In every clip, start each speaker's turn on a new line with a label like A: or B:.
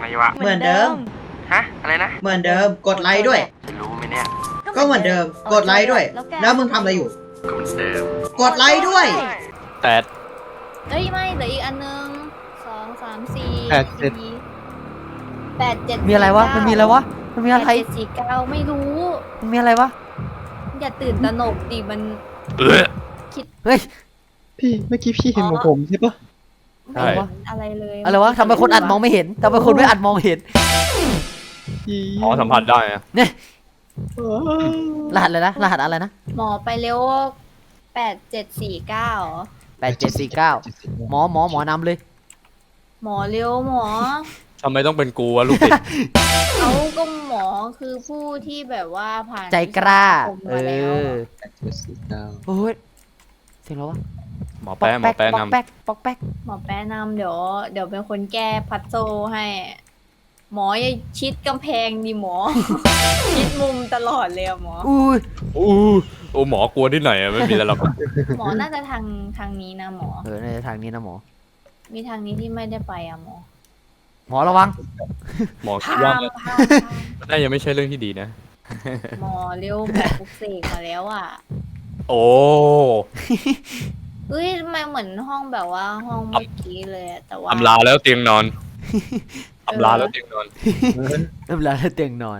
A: ไงวะ
B: เหมือนเดิม
A: ฮะอะไรนะ
B: เหมือนเดิมกดไลค์ด้วย
A: รู้ไหมเนี่ย
B: ก็เหมือนเดิมกดไลค์ด้วย แล้วมึงทำอะไรอยู่
A: ก็เหมือนเดิม
B: กดไลค์ด้วย
C: แปด
D: เอ้ยไม่เหลืออีกอันนึง2 3 4
C: แปดเจ็ด
D: 8 7
E: มีอะไรวะ มันมีอะไรวะ มันมีอะไร
D: 7 4 9ไม่รู้
E: มันมีอะไรวะ
D: อย่าตื่นตระหนกดิมัน
E: เฮ้ย
C: พี่เมื่อกี้พี่เห็นของผมใช่ปะ
D: ไม่เห็นอะไรเลย
E: อะไรวะทำไมคนอัดมองไม่เห็นทำไมคนไม่อัดมองเห็น
C: อ๋อสัมผัสได้อะ
E: เนี่ย รหัสเลยนะ รหัสอะไรนะ
D: หมอไปเร็ว8 7 4 9
E: 8749หมอนำเลย
D: หมอเร็วหมอ
C: ทำไมต้องเป็นกูวะลูกศิษย์
D: เขาก็หมอคือผู้ที่แบบว่าผ่าน
E: ใจกล้า
D: วิชคมมาแล้ว
E: โอ้ยเสียงแล้ววะ
C: หมอแป๊ะหมอแป๊ะ
E: ป๊อก
C: นำ
E: แป๊กป๊อกแป๊ก
D: หมอแป๊ะนำเดี๋ยวเป็นคนแก้พัซโซลให้ หมออย่าชิดกำแพงดิหมอ ชิดมุมตลอดเลยอะหมอ
E: อุ้ย
C: โอ้หมอกลัวที่ไหนอะไม่มีอะไรหรอก
D: หมอน่าจะทางนี้นะหมอ
E: ในทางนี้นะหมอ
D: มีทางนี้ที่ไม่ได้ไปอะหมอ
E: หมอระวัง
C: หมอคิด
D: พา
C: ว่าม
D: พาม
C: น่ายังไม่ใช่เรื่องที่ดีนะ
D: หมอเร็วหมอปลุกเสกมาแล้วอะ
C: โอ้
D: เฮ้ยทำไมเหมือนห้องแบบว่าห้องเมื่อกี้เลยอะแต่ว่า
C: อำลาแล้วเตียงนอนอำลาแล้วเตียงนอน
E: น้ำลายแล้วเตียงนอน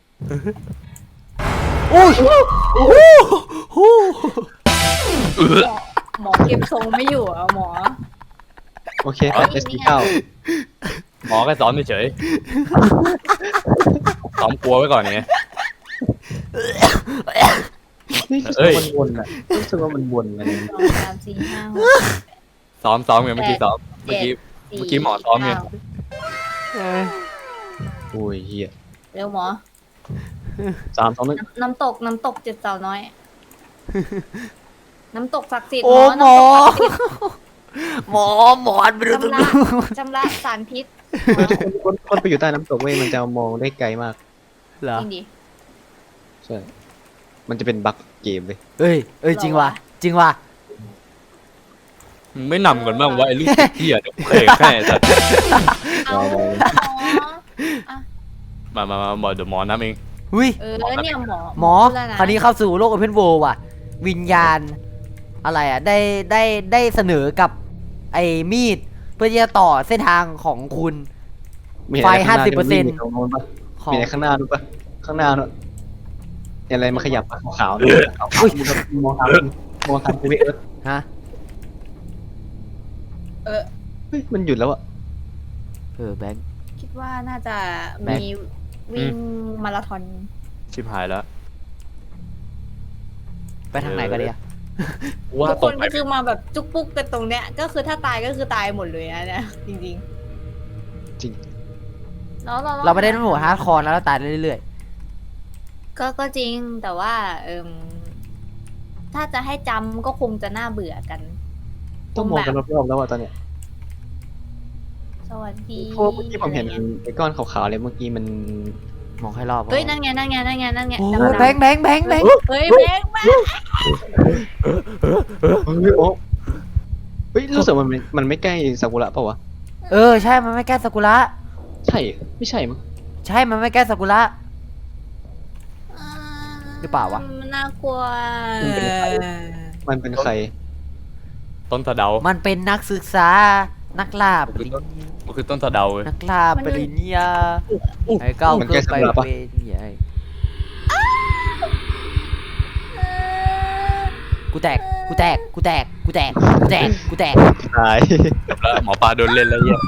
E: อุ้ย
D: หมอเก็บทรงไม่อยู่อะหมอ
C: โอเค8 7 4 9หมอแค่สอนเฉยๆซ้อมกลัวไว้ก่อนไง
F: นี่รู้สึกว่ามันวนอ่ะรู้สึกว่ามันวนอะไร
D: 2 3 4 5 6
C: ซ้อมไงเมื่อกี้ซ้อมเมื่อกี้หมอซ้อมไง
F: โอ้ยเฮีย
D: เร็วหมอ
F: 3 2 1
D: น้ำตกเจ็ดสาวน้อย น้ำตกศักดิ์สิทธิ์
E: โอ้หมอ
D: น้ำตกศักดิ์สิทธิ์
E: หมอไม่รู้ตัว
D: ชำระสารพิษ
F: คนไปอยู่ใต้น้ำตกเว้ยมันจะมองได้ไกลมาก
E: เหรอ
D: จริงดิ
F: ใช่มันจะเป็นบั๊กเกมเลย
E: เอ้ยจริงว่ะจริงว่ะ
C: มึงไม่นำกันบ้างว่าไอ้ลูกศิษย์ที่อ่ะเดี๋ยวเคยแค่สัตว์
D: เอาหมอ
C: มาหมอเดี๋ยวหมอน้ำเอง
E: อุ้ย
D: เนี่ยหมอ
E: หมอ
D: พูดแล้วนะ
E: คราวนี้เข้าสู่โลกโอเพนเวิลด์ว่ะ วิญญาณ อะไรอ่ะ ได้เสนอกับไอ้มีด เพื่อที่จะต่อเส้นทางของคุณ
F: มี
E: ไฟ
F: อะไรข้างหน้า
E: 50%
F: ที่มันวิ่งอยู่ตรงโน้นปะ
E: ของ
F: มีอะไรข้างหน้าดูปะข้างหน้าเนอะเห็นอะไรมาขยับปะขาวๆเนี่ยขาวๆมองทางไปเอิร์ธ
E: ฮะ
F: เฮ้ยมันหยุดแล้วอะ
E: แบงค์
D: คิดว่าน่าจะ
E: แม็ก
D: มีวิ่งมาราธอน
C: ชิบหายแล้ว
E: ไปทางไหนกันดีอ่ะ
C: ว่า
D: ทุก
C: ต
D: ค
C: รง
D: น
C: ไหน
D: ก็คือมาแบบจุกปุ๊กกันตรงเนี้ย ก็คือถ้าตายก็คือตายหมดเลยนะเนี่ยจริง
F: จริง
D: ๆแล้ว
E: เราไม่ได้ต้องโหมดฮาร์ดคอร์แล้วเราตายเรื่อย
D: ก็จริงแต่ว่าถ้าจะให้จำก็คงจะน่าเบื่อกัน
F: ต้องมองกันรอบๆแล้วอะตอนเนี้ย
D: สวัสดี
F: เพราะเมื่อกี้ผมเห็นไอ้ก้อนขาวๆเลยเมื่อกี้มัน
E: ๆ มองให้รอบ
D: เฮ้ยนั่นไงนั่นไงนั่นไงนั่นไง
E: โอ้
D: ดำๆ
E: แบงค์
D: เฮ้ยแบงค์มา
F: เฮ้ยโอ้เฮ้ยรู้สึกมันไม่ใกล้ซากุระเปล่าวะ
E: ใช่ มันไม่แก้ซากุระ
F: ใช่ไม่ใช่มั้ง
E: ใช่ มันไม่แก้ซากุระ หรือเปล่าวะ
D: มันน่ากลัว
F: มันเป็นใคร
C: ต้นสะเดา
E: มันเป็นนักศึกษา นักล่าปริญญา
C: มันคือต้นสะเดาเลย
E: นักล่าปริญญาให้ก้าว
F: มัน
E: ขึ้
F: แก้
E: น
F: ซา
E: ไป
F: กุระปะ
E: เป็นใหญ่กูแตก
F: ตาย
C: จบแล้วหมอปลาโดนเล่นแล้วเหี้ย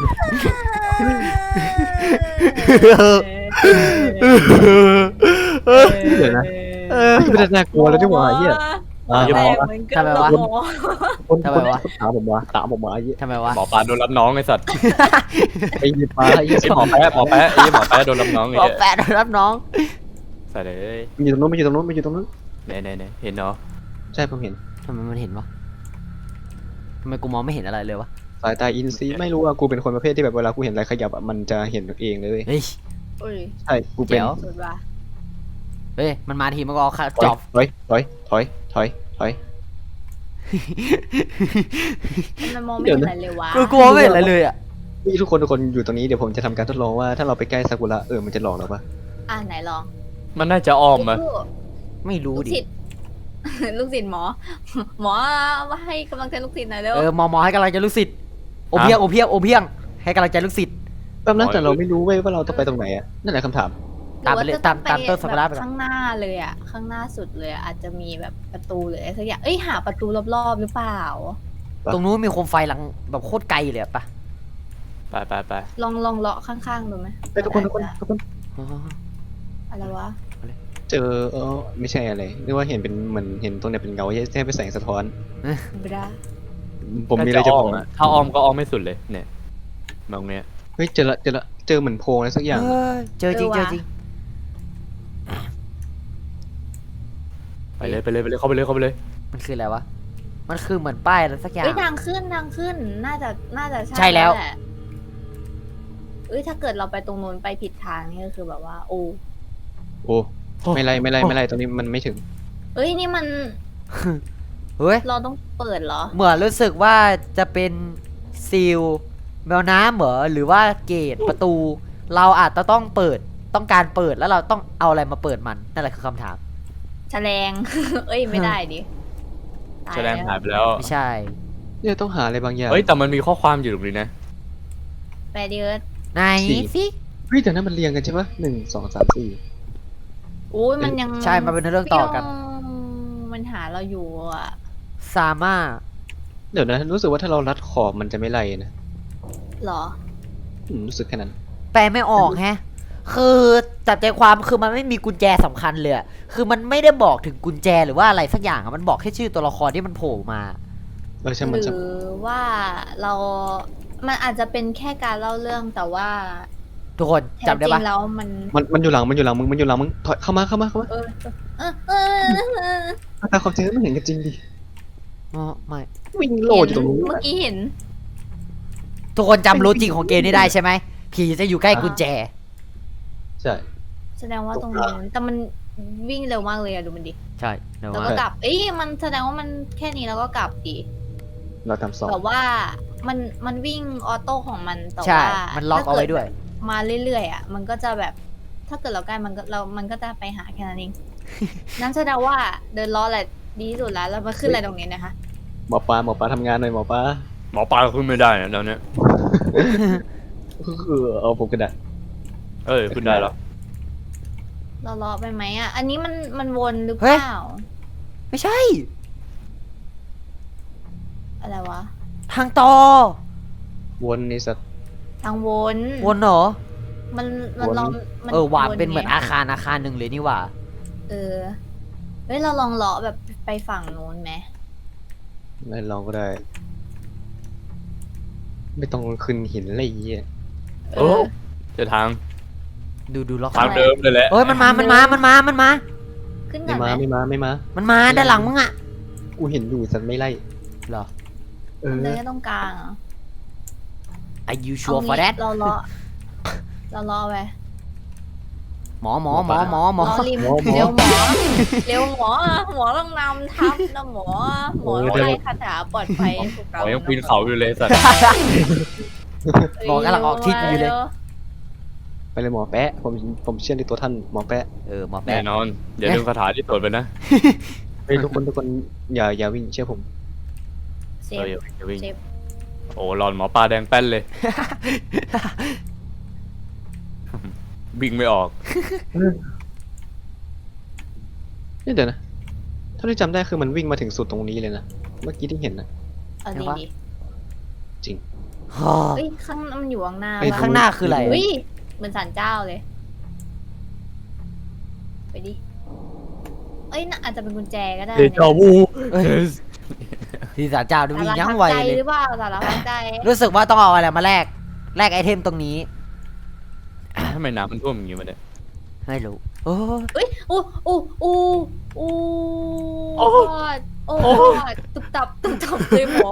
F: เดี๋ยวนะไม่ได้น่ากลัวแล้วที่หว่าเหี้ย
E: ทำไมวะ
F: คน
E: ทำไมวะ
F: ถามผมว่าเหี้ย
E: ทำไมวะ
C: หมอปลาโดนรับน้องไอ้สัตว์
F: ไอ้ยี่ปลาไอ้ยี่
C: ไอ้หมอแป๊ะไอ้หมอแป๊ะโดนรับน้องไอ้
E: หมอ
C: เหี้ย
E: แปะรับน้อง
C: ใส่เลย
F: มันอยู่ตรงนู้นมันอยู่ตรงนู้นมันอยู่ตรงนู้น
C: ไหนเห็นเนาะ
F: ใช่ผมเห็น
E: ทำไมมันเห็นวะทำไมกูมองไม่เห็นอะไรเลยวะ
F: สายตาอินซีไม่รู้ว่ากูเป็นคนประเภทที่แบบเวลากูเห็นอะไรขยับอะมันจะเห็นเองเลยเว้ย
E: เฮ้ย
D: อุ้ย
F: ใช่กูเป็น
E: เจ๋ว
D: สุดว่ะ
E: เฮ้ย มันมาทีมันก็เอาจอบ
F: ถอย
D: มันมองไม่เห็นอะไรเลยวะ
E: กูกลัวไม่เห็นอะไรเลยอ่ะ
F: นี่ทุกคนอยู่ตรงนี้เดี๋ยวผมจะทำการทดลองว่าถ้าเราไปใกล้ซากุระมันจะหลอกเราปะ
D: อ่ะไหนลอง
C: มันน่าจะอ้อมอะ
E: ไม่รู้
D: ลูก
E: ดิ
D: ศิษย์ ลูกศิษย์หมอ หมอมาให้กำลังใจลูกศิษย์หน่อยเร็ว
E: หมอให้กำลังใจลูกศิษย์โอเพียงให้กำลังใจลูกศิษย์
F: แป๊บนั้นแต่เราไม่รู้เว้ยว่าเราต้องไปตรงไหนอะนั่นแหละคำถาม
E: ตามไปเลย
D: หรือว่จะอง
E: ตามต้นซากุระไปก่อน
D: ข้างหน้าเลยอ่ะ ข้างหน้าสุดเลยอะอาจจะมีแบบประตูหรืออะไรสักอย่างเอ้ยหาประตูรอบๆหรือเปล่า
E: ตรงนู้นมีโคมไฟหลังแบบโคตรไกลเลยอะปะ
C: ไป
D: ลองเลาะข้างๆดูไหม
F: ไปทุกคน
E: อ๋อ
D: อะไรวะ
F: เจอไม่ใช่อะไรนึกว่าเห็นเป็นเหมือนเห็นตรงเนี้ยเป็นเงาแค่เป็นแสงสะท้อน
D: บรา
F: ผมมีอะไรจะบอก
C: ถ้าอ้อมก็อ้อมไม่สุดเลยเนี่ยตรงเนี้ย
F: เฮ้ยเจอเหมือนโพรงอะไรสักอย่าง
E: เจอจริง
C: ไปเลยเข้าไปเลย
E: มันคืออะไรวะมันคือเหมือนป้ายอะไรสักอย่าง
D: เอ้ยทางขึ้นน่าจะ
E: ใช่แล้ว
D: หะเอ้ยถ้าเกิดเราไปตรงนู้นไปผิดทางนี่ก็คือแบบว่า โอ้
F: โอ้ไม่ไรตรงนี้มันไม่ถึง
D: เอ้ยนี่มัน
E: เฮ้ย
D: เราต้องเปิดเหรอ
E: เหมือนรู้สึกว่าจะเป็นซีลแมวน้ำเหรอหรือว่าเกตประตู เราอาจจะต้องการเปิดแล้วเราต้องเอาอะไรมาเปิดมันนั่นแหละคือคำถาม
D: แฉลง เอ้ยไม่ได้ดิตาย
C: แสดง
D: ล้ว
C: หายไปแล้ว
E: ไม่ใช่
F: เนี่ยต้องหาอะไรบางอย่าง
C: เฮ้ยแต่มันมีข้อความอยู่ตรงนี้นะ
D: แปดเดือน
E: ไหนสิ
F: เฮ้ยแต่นั้นมันเรียงกันใช่ปะ1 2 3 4
D: โอ้ยมันยัง
E: ใช่มันเป็นเรื่องต่อกัน
D: มันหาเราอยู่อ่ะ
E: สามารถ
F: เดี๋ยวนะรู้สึกว่าถ้าเรารัดขอบมันจะไม่ไล่นะ
D: เหรอ
F: รู้สึกแค่นั้น
E: แปลไม่ออกแฮะ คือจับใจความคือมันไม่มีกุญแจสำคัญเลยอะคือมันไม่ได้บอกถึงกุญแจหรือว่าอะไรสักอย่างอะมันบอกแค่ชื่อตัวละครที่มันโผล่มา
F: ใช่
D: ห
F: มัน
D: รื
F: จะ
D: อว่าเรา มันอาจจะเป็นแค่การเล่าเรื่องแต่ว่า
E: ทุกคน
D: แท้
E: จำได้
D: จริ
E: ปะ
D: งแล้วมัน
F: มันอยู่หลังมึงถอยเข้ามา
D: เออเออเออ
F: ตามความจริงมันเห็นกันจริงดิ
E: อ๋อไม่
F: วิ่งโลดอยู่ตรงนู้น
D: เมื่อกี้เห็น
E: ทุกคนจำโลจิกของเกมนี้ได้ใช่ไหมผีจะอยู่ใกล้กุญแจ
F: ใช่
D: แสดงว่าตรงนู้นแต่มันวิ่งเร็วมากเลยอะดูมันดิ
E: ใช่เดี๋ยว
D: แล้ว
E: ว่า
D: ก็กลับ เอ้ยมันแสดงว่ามันแค่นี้แล้วก็กลับดิ
F: เราทำสอง
D: แบบว่ามันวิ่งออโต้ของมันแต่
E: ใช่
D: ว่า
E: มันล็อกเอาไว้ด้วย
D: มาเรื่อยๆอ่ะมันก็จะแบบ ถ้าเกิดเราใกล้มันก็จะไปหาแค่นั้นเอง นั่นแสดงว่าเดินล้อแหละดีที่สุดแล้วแล้วมาขึ้นอะไรตรงนี้นะคะ
F: หมอปลาทำงานหน่อยหมอปลา
C: หมอปลาขึ้นไม่ได้นะตอนเนี้ย
F: เอาผมกระดาษ
C: ขึ้นได้แล้ว
D: เราล้อไปไหมอ่ะ อันนี้มันวนหรือเปล่า
E: ไม่ใช่
D: อะไรวะ
E: ทางต่อ
F: วนนี่สัตว์
D: ทางวน
E: วนเหรอ
D: มันลองมัน
E: ว่ะเป็น
D: ไง
E: เหมือนอาคารหนึ่งเลยนี่หว่า
D: เออเฮ้ยเราลองเลาะแบบไปฝั่งนู้นไหม
F: ไม่ลองก็ได้ ไม่ต้องขึ้นหินอะไรอย่างเงี้ย
C: โอ้เจอทาง
E: ดูล็อก
C: ทางเดิมเลยแหละ
E: เอ้ยมันมา
D: ขึ้น
F: ไม่
D: ก่อนไหม
F: ไม่มา
E: มันมาด้านหลังมึงอ่ะ
F: กูเห็นอยู่สัตว์ไม่ไล่
E: เหรอ
D: มันเดินแค่ตรงกลางเหรอ
E: Are you
D: เอา
E: sure for
D: งี้
E: that
D: เราเลาะไป
E: หมอ
D: ล้อริมเร็วหมอต้องนำทัพนะหมอไล่คาถาปลอดภัยพวก
C: หม
D: เรา
C: อยังปีนเขาอยู่เลยสัตว์
E: หมอกำลังออกทิศอยู่เลย
F: ไปเลยหมอแปะผมเชื่อในตัวท่านหมอแปะ
E: หมอแป
C: แน่นอนอย่าลืมคาถาที่ตรวจไปนะ
F: เฮ้ยทุกคนอย่าวิ่งเชื่อผม
D: เซ
C: อย่าวิ่ง
D: ฟ
C: โอ้หลอนหมอปลาแดงแป้นเลย วิ่งไม่ออก
F: นี่เดี๋ยวนะเท่าที่จำได้คือมันวิ่งมาถึงสุดตรงนี้เลยนะเมื่อกี้ที่เห็นนะ
D: เอาดี
F: จริง
D: เฮ้ยข้างมันอยู่ข้างหน้า
F: ไอ้
E: ข้างหน้าคืออะไร
D: เฮ้ยเหมือนศาลเจ้าเลย ไปดิ เอ้ยน่าอาจจะเป็นกุญแจก็ได้
C: เดจาวู
E: ที่ศาลเจ้าดูวิ่งยั้งไว
D: สารพัดใจ
E: เลย
D: หรือเปล่าสารพัดใจ
E: รู้สึกว่าต้องเอาอะไรมาแลกไอเทมตรงนี้
C: ทำไมน้ำมันท่วมอย่างงี้มาเนี่ย
E: ไม่รู้โอ้
D: เอ้ยอู้ตุบตับเลยหมอ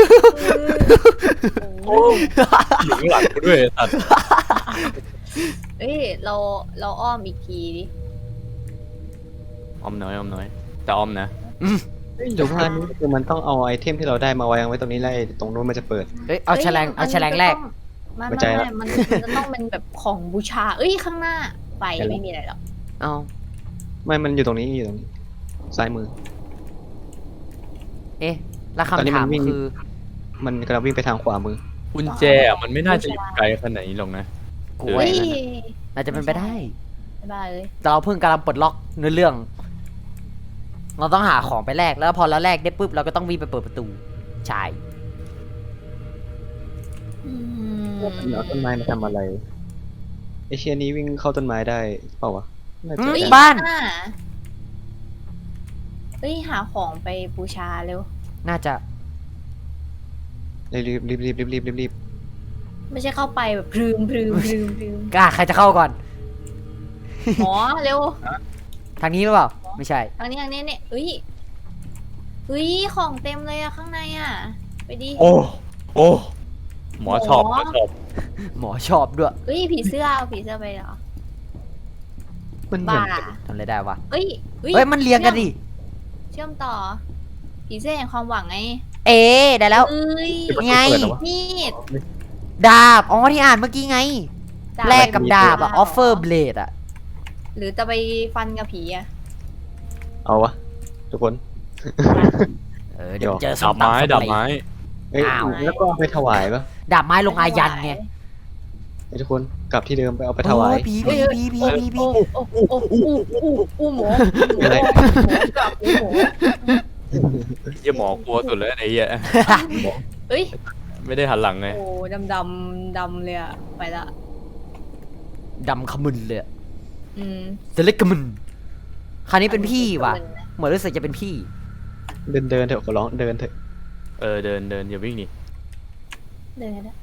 C: อยู่ข้างหลังกูด้วยสัตว์
D: เอ้ยเราอ้อมอีกทีดิ
C: อมน้อยแต่อมนะ
F: เดี๋ยวว่านี้คือมันต้องเอาไอเทมที่เราได้มาวางไว้ตรงนี้แล้วไอ้ตรงนู้นมันจะเปิด
E: เอาแฉลงแรก
D: ไม่
F: เข้าใจละ
D: มันจะต้องเป็นแบบของบูชา เอ้ยข้างหน้าไฟไม่มีอะไรหรอก
E: เอา
F: ไม่มันอยู่ตรงนี้อยู่ตรงนี้ซ้ายมือ
E: เอ๊ะแล้ว
F: ตอนนี้
E: คำถาม
F: มันวิ่ง
E: คือ
F: มันกำลังวิ่งไปทางขวามือ
C: กุญแจอะมันไม่น่าจะอยู่ไกลขนาดนี้หรอกนะ
E: กู
D: เฮ้
E: ว่าย อย่างนั้นน่าจะเป็นไปได้
D: ไม่ได้เลย
E: แต่เราเพิ่งกำลังปลดล็อกเนื้อเรื่อง เราต้องหาของไปแลกแล้วพอเราแลกได้ปุ๊บเราก็ต้องวิ่งไปเปิดประตูใช่
F: เอาต้นไม้มาทำอะไรไอเชียนี้วิ่งเข้าต้นไม้ได้เปล่าวะน่าจะ
E: เฮ้ย
F: ได้
E: บ้าน
D: เฮ้ยหาของไปบูชาเร็ว
E: น่าจะ
F: รีบ
D: ไม่ใช่เข้าไปแบบพรึม
E: กล้าใครจะเข้าก่อน
D: หมอเร็ว
E: ทางนี้หรือเปล่า ไม่ใช่
D: ทางนี้เนี่ยเฮ้ยของเต็มเลยอะข้างในอะไปดิ
C: โอ้หมอชอบหมอชอบ
E: หมอชอบด้วย
D: เฮ้ยผีเสื้อเอาผีเสื้อไปเหรอ
F: มันเหมือ
D: บ้าน
E: ทำอะไรได้วะ
D: เฮ้ย
E: เฮ้ยมันเรียงกันดิ
D: เชื่อมต่อ ผีเสื้อแห่งความหวังไง
E: เอ๊ะได้แล้ว
D: เอ้ย
E: ไง
D: มีด
E: ดาบ อ๋อที่อ่านเมื่อกี้ไง
D: ดาบ
E: แลกกับดาบอะ offer blade อะ
D: หรือจะไปฟันกับผีอะ
F: เอาวะทุกคน
E: เดี๋ยวเจอส้
C: ดาม บไม้
E: ตำ
C: ดาบไม้
F: เอ้ย
E: อ้าว
F: แล้วก็เอาไปถวายปะ
E: ดาบไม้ลงอายันไง
F: ไอ้ทุกคนกลับที่เดิมไปเอาไปถวาย
E: โอ้ผี
D: เฮ้ย หมู
F: อะไร
D: กลับหมู
C: เหี้ยหมอกลัวสุดเลยไอ้เหี้ย
D: เฮ้ย
C: ไม่ได้หันหลังไง
D: โอ้ดำเลยอะไปละ
E: ดำขมึนเลยอะ
D: อืม
E: เซเล็กขมึนคราวนี้เป็นพี่ว่ะ เหมือนรู้สึกจะเป็นพี่
F: เดินเถอะขอร้องเดินเถอะ
C: เดินอย่าวิ่งนี่
D: เดินนะ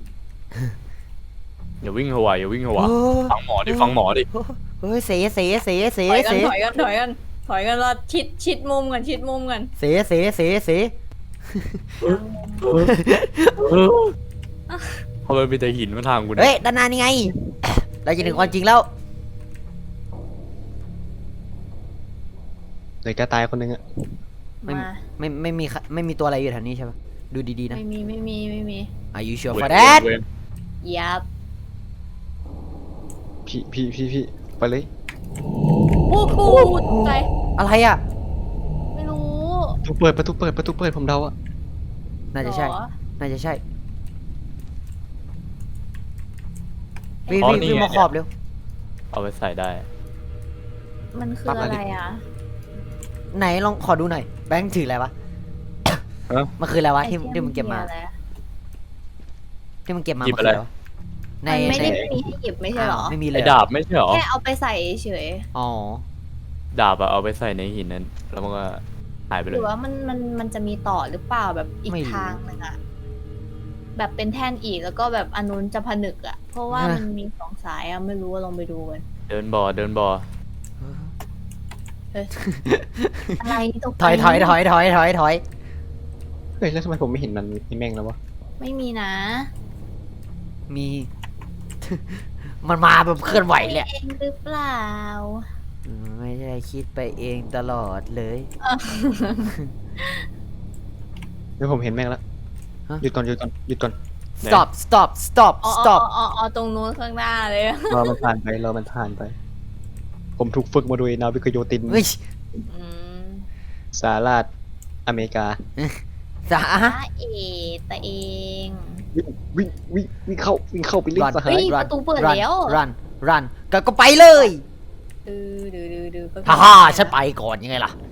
C: อย่าวิ่งหัวอย่าวิ่งหัว
E: โอ้
C: ฟังหมอดิฟังหมอดิ
E: เฮ้ยเส
D: ถอยกันรอชิดมุมกัน
E: เส
C: เพราะมันเป็นแต่หินมาทางกู
E: เฮ้
C: เนี่ย
E: ยด้านหน้านี่ไง เราจะถึงความจริงแล้ว
F: เลยกระตายคนนึงอะ
E: ไม่
D: มา
E: ไม่มีตัวอะไรอยู่แถวนี้ใช่ปะดูดีๆนะ
D: ไม่มี
E: Are you sure for that
D: ยับ
F: พี่ไปเลย
D: โอ้โหใจ
E: อะไรอ่ะ
D: ไม่รู้
F: ประตูเปิดผมเดาอะ
E: น่าจะใช่
D: หรอ
E: น่าจะใช่วิ่งมาขอบเร็ว
C: เอาไปใส่ได้
D: มันคืออะไรอ่ะ
E: ไหนลองขอดูหน่อย แบงค์ถืออะไรวะ
C: ฮะ
E: มันคืออะไรวะที่
D: ไอ้
E: ที่มึงเก็บมา
D: อะไรอะ
E: ที่มึงเก็บมา
C: หยิบ
E: มันคืออะไร
C: อะไร
E: วะใน
D: มันไม่
E: ใน
D: ได้มีให้หยิบไม่ใช่เหรอ
E: ไม่มีเล
C: ไอ้
E: ย
C: ดาบไม่ใช่หรอ
D: แค่เอาไปใส่เฉย
E: อ๋อ
C: ดาบอะเอาไปใส่ในหินนั้น แล้วมันก็หายไป
D: ห
C: เล
D: รื
C: ย
D: อว่ามันจะมีต่อหรือเปล่าแบบอีก
E: ไม่รู้
D: ทางหนึงอะแบบเป็นแท่นอีกแล้วก็แบบอันนู้นจะผนึกอะเพราะว่า
E: ฮะ
D: มันมีสองสายอะไม่รู้ว่าลองไปดูกัน
C: เดินบ่อ
D: อะไรตก
E: ถอย
F: เฮ้ยแล้วทำไมผมไม่เห็นมันมีแม่งแล้ววะ
D: ไม่มีนะ
E: มี มันมาแบบเคลื่อนไหวเลยอะ
D: เองหรือเปล่า
E: ไม่ได้คิดไปเองตลอดเลย
F: เดี๋ยวผมเห็นแม่งแล้ว
E: ฮะ
F: หยุดก่อน
E: stop
D: อ๋อตรงนู้นข้างหน้าเลย
F: รอมันผ่านไป ผมถูกฝึกมาโดยนาวิกโยติน
E: เฮ้ย
D: อืม
F: สหราชอเมริกา
E: สา
D: เอตะเอง
F: วิ่งเข้าไปเล่นสหา
D: เฮ้
F: ย
D: ยประตูเปิดแล้ว
E: รันก็ไปเลย
D: ดื้อ
E: ฮ่าฮ่าฉันไปก่อนยังไงล่ะ